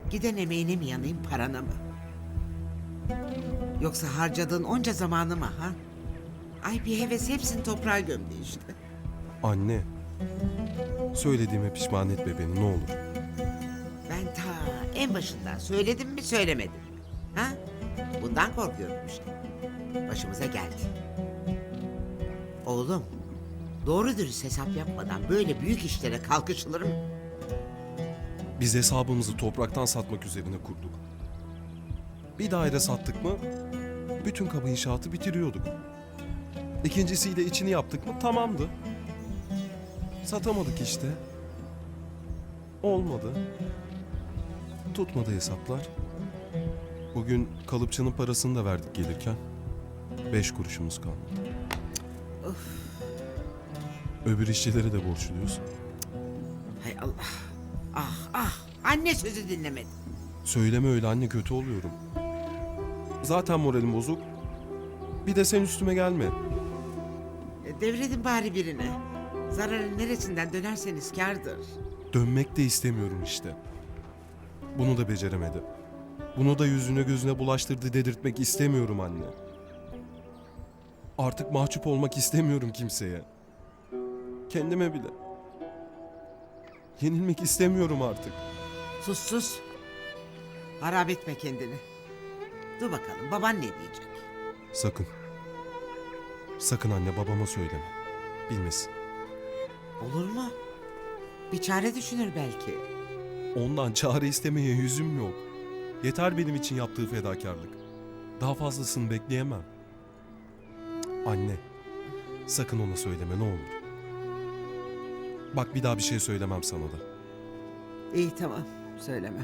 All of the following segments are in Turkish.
Giden emeğine mi yanayım, parana mı? Yoksa harcadığın onca zamanı mı ha? Ay bir heves hepsini toprağa gömdü işte. Anne, söylediğime pişman etme beni ne olur. Ben ta en başından söyledim mi söylemedim mi? Ha? Bundan korkuyorum işte. Başımıza geldi. Oğlum, doğru dürüst hesap yapmadan böyle büyük işlere kalkışılır mı? Biz hesabımızı topraktan satmak üzerine kurduk. Bir daire sattık mı, bütün kabı inşaatı bitiriyorduk. İkincisiyle içini yaptık mı tamamdı. Satamadık işte. Olmadı. Tutmadı hesaplar. Bugün kalıpçının parasını da verdik gelirken. 5 kuruşumuz kalmadı. Öbür işçilere de borçluyuz. Hay Allah. Ah ah. Anne sözü dinlemedi. Söyleme öyle anne, kötü oluyorum. Zaten moralim bozuk. Bir de sen üstüme gelme. Devredin bari birine. Zararın neresinden dönerseniz kârdır. Dönmek de istemiyorum işte. Bunu da beceremedi. Bunu da yüzüne gözüne bulaştırdı dedirtmek istemiyorum anne. Artık mahcup olmak istemiyorum kimseye. Kendime bile. Yenilmek istemiyorum artık. Sus sus. Harap etme kendini. Dur bakalım baban ne diyecek? Sakın. Sakın anne, babama söyleme. Bilmesin. Olur mu? Bir çare düşünür belki. Ondan çare istemeye yüzüm yok. Yeter benim için yaptığı fedakarlık. Daha fazlasını bekleyemem. Anne, sakın ona söyleme ne olur. Bak bir daha bir şey söylemem sana da. İyi tamam söylemem.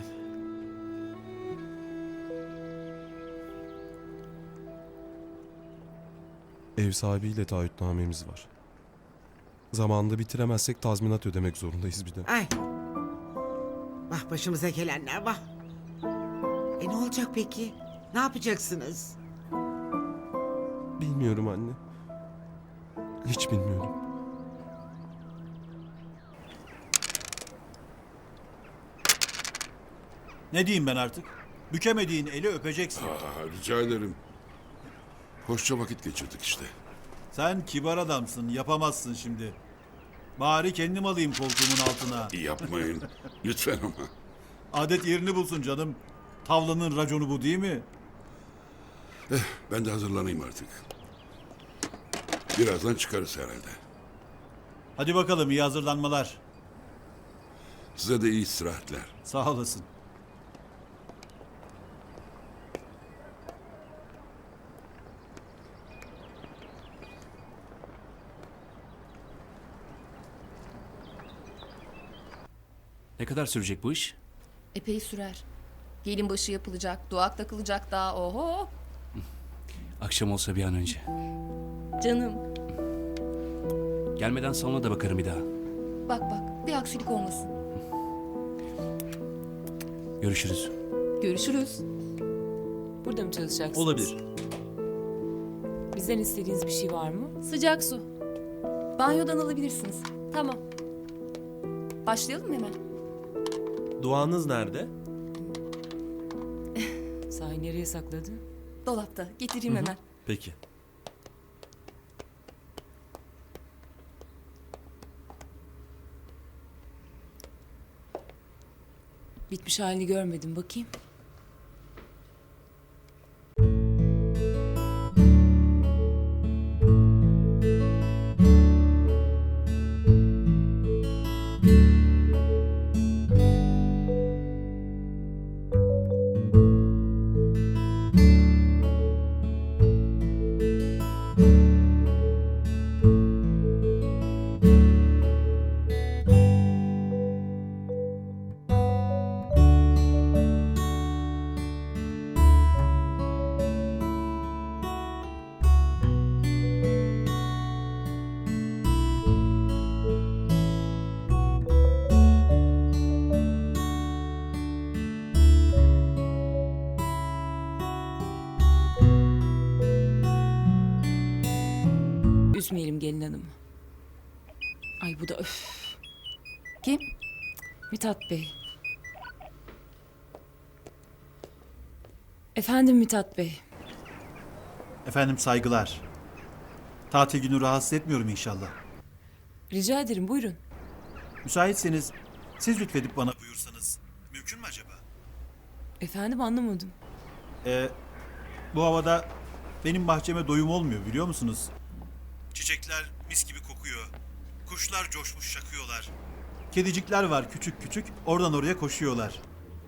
Ev sahibiyle taahhütnamemiz var. Zamanında bitiremezsek tazminat ödemek zorundayız bir de. Ay. Bak başımıza gelenler bak. Ne olacak peki? Ne yapacaksınız? Bilmiyorum anne. Hiç bilmiyorum. Ne diyeyim ben artık? Bükemediğin eli öpeceksin. Rica ederim. Hoşça vakit geçirdik işte. Sen kibar adamsın, yapamazsın şimdi. Bari kendim alayım koltuğumun altına. Yapmayın. Lütfen ama. Adet yerini bulsun canım. Tavlanın raconu bu değil mi? Ben de hazırlanayım artık. Birazdan çıkarız herhalde. Hadi bakalım iyi hazırlanmalar. Size de iyi istirahatler. Sağ olasın. Ne kadar sürecek bu iş? Epey sürer. Gelin başı yapılacak, duak takılacak daha oho. Akşam olsa bir an önce. Canım. Gelmeden salona da bakarım bir daha. Bak bak bir aksilik olmasın. Görüşürüz. Görüşürüz. Burada mı çalışacaksınız? Olabilir. Bizden istediğiniz bir şey var mı? Sıcak su. Banyodan alabilirsiniz. Tamam. Başlayalım mı hemen? Duanız nerede? Sahi nereye sakladı? Dolapta. Getireyim hemen. Peki. Bitmiş halini görmedim, bakayım. Üzmeyelim gelin hanımı. Ay bu da öf. Kim? Mithat Bey. Efendim Mithat Bey. Efendim saygılar. Tatil günü rahatsız etmiyorum inşallah. Rica ederim buyurun. Müsaitseniz siz lütfedip bana buyursanız mümkün mü acaba? Efendim anlamadım. Bu havada benim bahçeme doyum olmuyor biliyor musunuz? Çiçekler mis gibi kokuyor. Kuşlar coşmuş şakıyorlar. Kedicikler var küçük küçük oradan oraya koşuyorlar.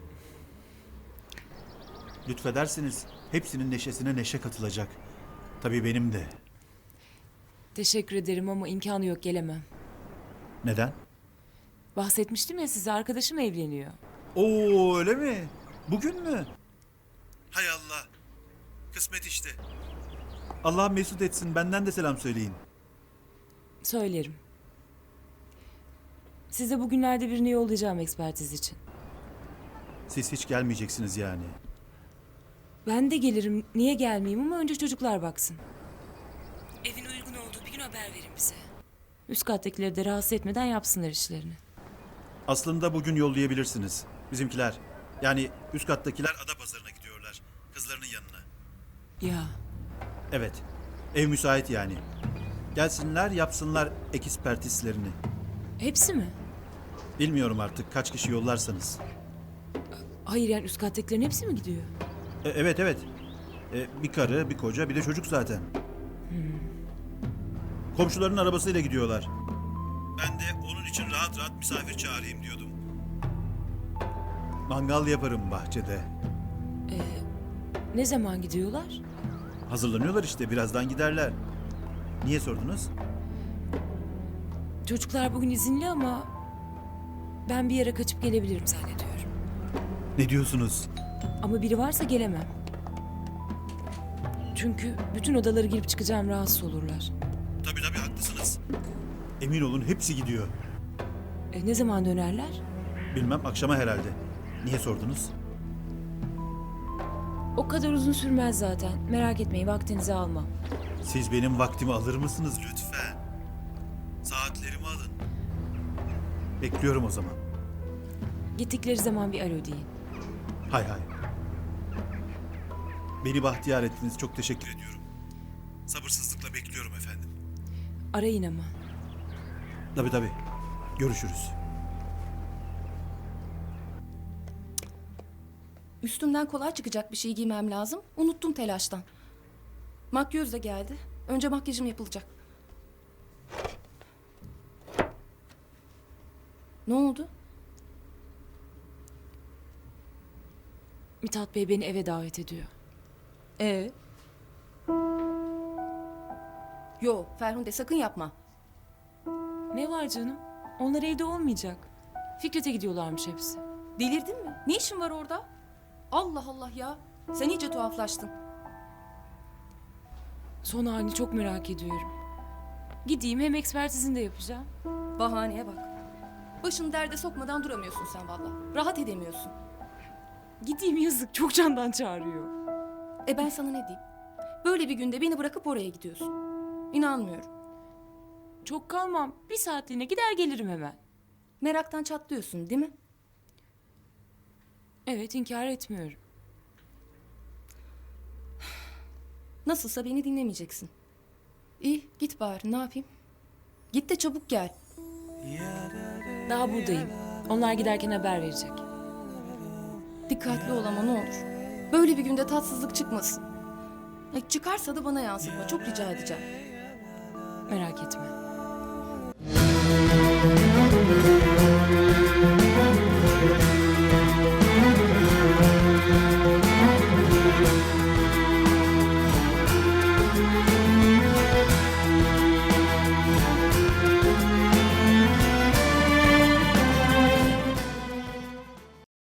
Lütfederseniz hepsinin neşesine neşe katılacak. Tabii benim de. Teşekkür ederim ama imkanı yok gelemem. Neden? Bahsetmiştim ya size arkadaşım evleniyor. Oo öyle mi? Bugün mü? Hay Allah. Kısmet işte. Allah mesut etsin. Benden de selam söyleyin. Söylerim. Size bugünlerde birini yollayacağım ekspertiz için. Siz hiç gelmeyeceksiniz yani. Ben de gelirim. Niye gelmeyeyim ama önce çocuklar baksın. Evin uygun olduğu bir gün haber verin bize. Üst kattakileri de rahatsız etmeden yapsınlar işlerini. Aslında bugün yollayabilirsiniz. Bizimkiler. Yani üst kattakiler Adapazarı'na gidiyorlar. Kızlarının yanına. Ya Evet. Ev müsait yani. Gelsinler yapsınlar ekspertizlerini. hepsi mi? Bilmiyorum artık kaç kişi yollarsanız. Hayır yani üst kattakilerin hepsi mi gidiyor? Evet evet. Bir karı, bir koca, bir de çocuk zaten. Komşuların arabasıyla gidiyorlar. Ben de onun için rahat rahat misafir çağırayım diyordum. Mangal yaparım bahçede. Ne zaman gidiyorlar? Hazırlanıyorlar işte birazdan giderler. Niye sordunuz? Çocuklar bugün izinli ama ben bir yere kaçıp gelebilirim zannediyorum. Ne diyorsunuz? Ama biri varsa gelemem. Çünkü bütün odaları girip çıkacağım rahatsız olurlar. Tabii tabii haklısınız. Emin olun hepsi gidiyor. Ne zaman dönerler? Bilmem akşama herhalde. Niye sordunuz? O kadar uzun sürmez zaten. Merak etmeyin vaktinizi almam. Siz benim vaktimi alır mısınız lütfen? Saatlerimi alın. Bekliyorum o zaman. Gittikleri zaman bir alo deyin. Hay hay. Beni bahtiyar ettiniz. Çok teşekkür ediyorum. Sabırsızlıkla bekliyorum efendim. Arayın ama. Tabii tabii. Görüşürüz. Üstümden kolay çıkacak bir şey giymem lazım. Unuttum telaştan. Makyöz de geldi. Önce makyajım yapılacak. Ne oldu? Mithat Bey beni eve davet ediyor. Yo Ferhunde sakın yapma. Ne var canım? Onlar evde olmayacak. Fikret'e gidiyorlarmış hepsi. Delirdin mi? Ne işin var orada? Allah Allah ya. Sen iyice tuhaflaştın. Son halini çok merak ediyorum. Gideyim hem ekspertizini de yapacağım. Bahaneye bak. Başını derde sokmadan duramıyorsun sen valla. Rahat edemiyorsun. Gideyim yazık çok candan çağırıyor. Ben sana ne diyeyim? Böyle bir günde beni bırakıp oraya gidiyorsun. İnanmıyorum. Çok kalmam. Bir saatliğine gider gelirim hemen. Meraktan çatlıyorsun değil mi? Evet inkar etmiyorum. Nasılsa beni dinlemeyeceksin. İyi git bari ne yapayım? Git de çabuk gel. Daha buradayım. Onlar giderken haber verecek. Dikkatli ol ama ne olur. Böyle bir günde tatsızlık çıkmasın. Çıkarsa da bana yansıtma çok rica edeceğim. Merak etme.